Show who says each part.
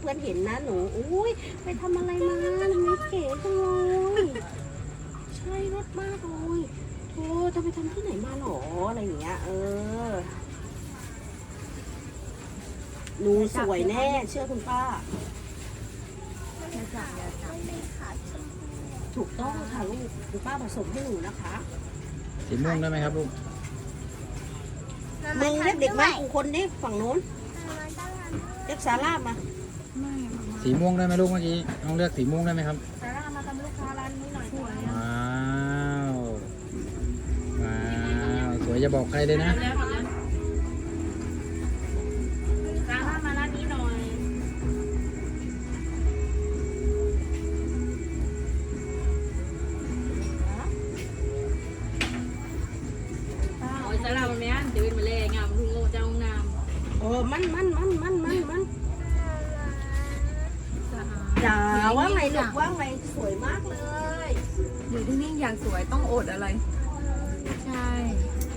Speaker 1: กันเห็นนะหนูอุ้ยไปทำอะไรมาทำไมเก๋จังเลยใช่รถมากเลยโธ่จะไปทำที่ไหนมาหรออะไรอย่างเงี้ยหนูสวยแน่เชื่อคุณป้าถูกต้องค่ะลูกคุณป้าผสมให้หนูนะคะ
Speaker 2: สีม่วงได้ไหมครับลูก
Speaker 1: มึงเรียกเด็กมากกูคนนี้ฝั่งโน้นเรียกซาร่ามา
Speaker 2: สีม่วงได้ไหมลูกเมื่อกี้น้องเลือกสีม่วงได้ไหมครับ
Speaker 1: ซาร่ามาทำลูกค้าร้านนี้หน่อยสวย
Speaker 2: ว้าวว้าวสวยจะบอกใครเลยนะ
Speaker 1: ซาร่ามาร้านนี้หน่อย
Speaker 3: โอ้ยสารามันแม่นเดี๋ยวเป็นมาเลยงามทุ่งโง่เจ้างาม
Speaker 1: มันจ๋าว่าไงลูกว่าไงสวยมากเลย
Speaker 4: อยู่ที่นี่อย่างสวยต้องอดอะไร ใช่